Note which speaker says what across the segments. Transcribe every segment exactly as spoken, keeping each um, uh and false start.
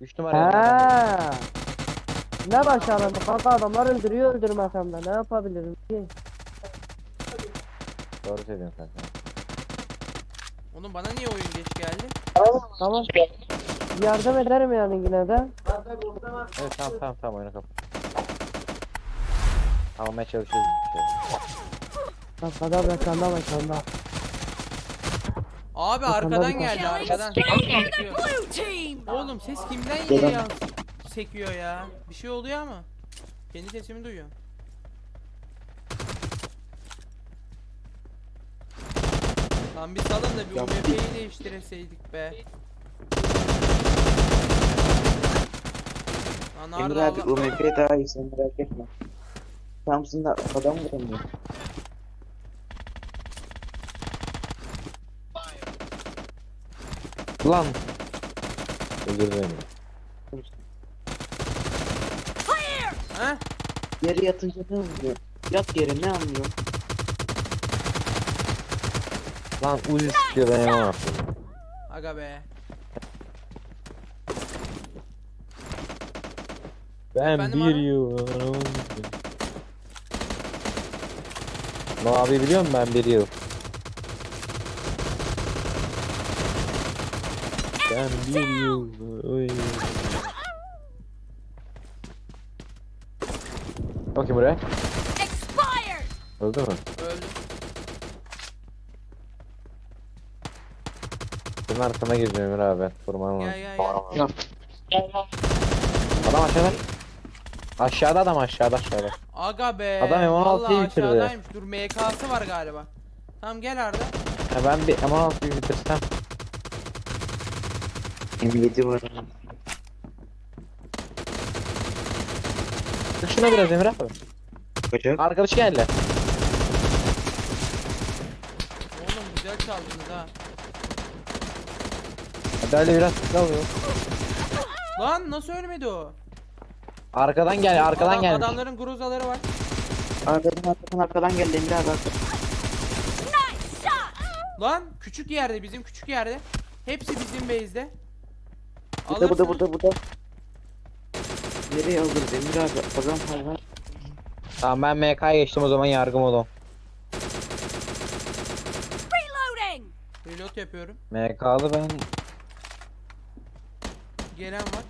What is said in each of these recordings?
Speaker 1: üç numaraya adam.
Speaker 2: He. Ne başaramadı kanka, adamlar öldürüyor öldürmesem de ne yapabilirim ki?
Speaker 1: Doğru söylüyorsun kanka.
Speaker 3: Oğlum bana niye oyun geç geldi?
Speaker 2: Tamam. Yardım ederim yani yine de.
Speaker 1: Evet tamam tamam tamam oyunu kapat. Almaya çalışıyoruz bir şey.
Speaker 2: Arkada mekanda mekanda.
Speaker 3: Abi
Speaker 2: Bakalım,
Speaker 3: arkadan
Speaker 2: bakalım.
Speaker 3: geldi arkadan. Sekiyor.
Speaker 4: Blue team.
Speaker 3: Oğlum ses kimden yine ya sekiyor ya. Bir şey oluyor ama. Kendi sesimi duyuyorum. Lan bir salın da bir U M P'yi değiştireseydik be. Lan
Speaker 5: Emre
Speaker 3: Arda
Speaker 5: abi
Speaker 3: Allah.
Speaker 5: U M P daha iyi, sen merak etme. Samsun'da adam vuramıyor.
Speaker 1: Lan. Öldürdü beni.
Speaker 4: Clear.
Speaker 3: Heh?
Speaker 5: Yere yatınca ne oluyor? Yat yere, ne anlıyor?
Speaker 1: Lan Uzi sıkıyor ben yapamam.
Speaker 3: Aga be.
Speaker 1: Ben
Speaker 3: Efendim
Speaker 1: bir
Speaker 3: abi?
Speaker 1: yıl. No abi biliyor musun ben bir yıl. Ben bir yıl. Oy. Bakayım buraya.
Speaker 4: Expired.
Speaker 1: Öldü mü?
Speaker 3: Öldü.
Speaker 1: Senin arkana gireceğim Emre abi. Vurman lazım.
Speaker 3: Gel gel gel.
Speaker 1: Adam aşağıda. Aşağıda adam aşağıda aşağıda.
Speaker 3: Aga be.
Speaker 1: Adam M on altıyı
Speaker 3: Vallahi
Speaker 1: bitirdi.
Speaker 3: aşağıdaymış. Dur M K'sı var galiba. Tamam gel Arda.
Speaker 1: Ya ben bir M on altıyı bitirsem.
Speaker 5: M yedi var.
Speaker 1: Dur şuna biraz Emre abi.
Speaker 5: Bacak.
Speaker 1: Arkadaş geldi.
Speaker 3: Oğlum güzel çaldınız ha.
Speaker 1: Hadi öyle biraz hızlı alıyor.
Speaker 3: Lan nasıl ölmedi o?
Speaker 1: Arkadan gel arkadan
Speaker 3: Adam,
Speaker 1: gelmiş.
Speaker 3: adamların gruzaları var.
Speaker 5: Arkadan arkadan arkadan geldi Emre abi. arkadan.
Speaker 4: Nice shot.
Speaker 3: Lan küçük yerde bizim küçük yerde. Hepsi bizim base'de.
Speaker 5: Burada burada
Speaker 3: Alırsınız.
Speaker 5: burada burada. Nereye alırız Emre abi? Adam hayvan.
Speaker 1: Tamam ben M K'ya geçtim o zaman yargı modu.
Speaker 4: Reloading.
Speaker 3: Reload yapıyorum.
Speaker 1: M K'lı ben.
Speaker 3: Gelen var.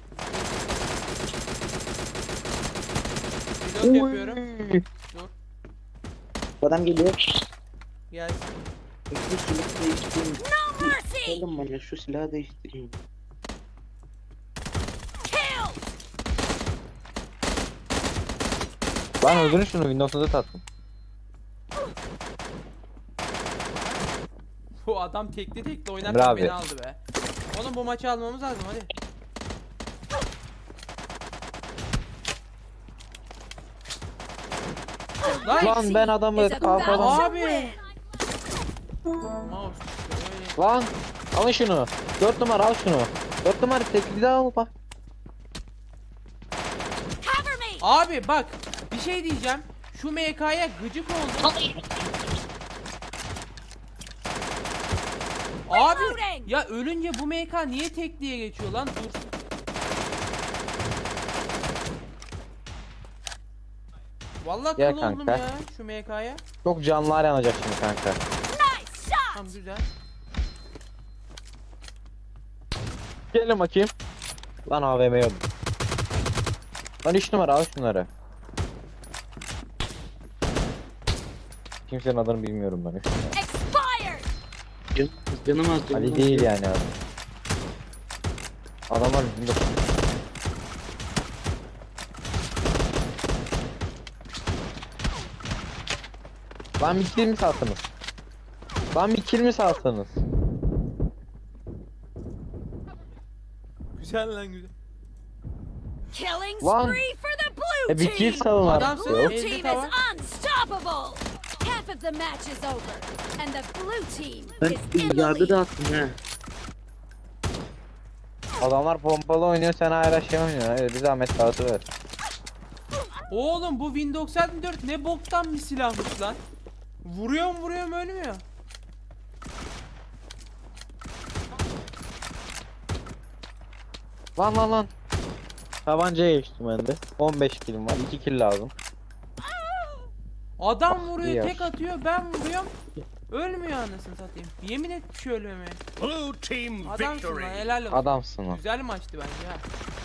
Speaker 3: Reload yapıyorum. Dur.
Speaker 5: Adam geliyor.
Speaker 3: Gelsin.
Speaker 5: Şu silahı değiştireyim.
Speaker 4: No mercy.
Speaker 5: Oğlum bana şu silahı değiştireyim.
Speaker 4: Kill.
Speaker 1: Lan öldürün şunu Windows'da tattım.
Speaker 3: Bu adam tekli tekli
Speaker 1: Emre
Speaker 3: oynarken
Speaker 1: abi.
Speaker 3: beni aldı be. Oğlum bu maçı almamız lazım hadi. Lan,
Speaker 1: Lan ben adamı
Speaker 4: Is about
Speaker 1: kalkadan.
Speaker 4: to
Speaker 3: Abi.
Speaker 4: win.
Speaker 3: Mouse çıktı, öyle.
Speaker 1: Lan alın şunu. Dört numara al şunu. Dört numara tekli de al bak.
Speaker 4: Cover me.
Speaker 3: Abi bak bir şey diyeceğim. Şu M K'ya gıcık oldum. Abi
Speaker 4: Reloading.
Speaker 3: ya ölünce bu M K niye tekliğe geçiyor lan? Dur. Vallahi
Speaker 1: Gel
Speaker 3: kıl oldum
Speaker 1: kanka.
Speaker 3: ya şu M K'ya.
Speaker 1: Çok canlılar yanacak şimdi kanka.
Speaker 4: Nice shot.
Speaker 3: Tamam güzel.
Speaker 1: Gelin bakayım. Lan A V M yok. Lan üç numara al şunları. Kimsenin adını bilmiyorum ben. üç numara.
Speaker 4: Expired.
Speaker 5: Can, canım az canım
Speaker 1: Ali
Speaker 5: az.
Speaker 1: değil yani adam. Adamlar bunda. Lan bir kill mi salsanız? Lan bir kill mi salsanız?
Speaker 3: Güzel lan güzel.
Speaker 4: Killing
Speaker 1: Lan.
Speaker 4: spree for the blue
Speaker 1: E bir kill
Speaker 4: team.
Speaker 1: salın
Speaker 3: Adamsın.
Speaker 1: artık. Yok.
Speaker 4: Blue
Speaker 3: Elde
Speaker 4: team
Speaker 3: tava.
Speaker 4: is unstoppable. Half of the match is over, and the blue team
Speaker 5: Ben
Speaker 4: is in the
Speaker 5: yargı
Speaker 4: lead.
Speaker 5: dağıttım ha.
Speaker 1: Adamlar pompalı oynuyor sen hala şey oynuyorsun. Hadi bir zahmet dağıtı ver.
Speaker 3: Oğlum bu Win doksan dört ne boktan bir silahmış lan. Vuruyorum vuruyorum ölmüyor.
Speaker 1: Lan lan lan. Tabancaya geçtim ben de. on beş kilim var. iki kill lazım.
Speaker 3: Adam
Speaker 1: Ah,
Speaker 3: vuruyor,
Speaker 1: diğer.
Speaker 3: tek atıyor, ben vuruyorum. Ölmüyor anasını satayım. Yemin et bir şey ölmemeye.
Speaker 6: Blue team
Speaker 3: Adamsın lan,
Speaker 6: victory.
Speaker 3: helal olsun.
Speaker 1: Adamsın lan.
Speaker 3: Güzel maçtı bence ha.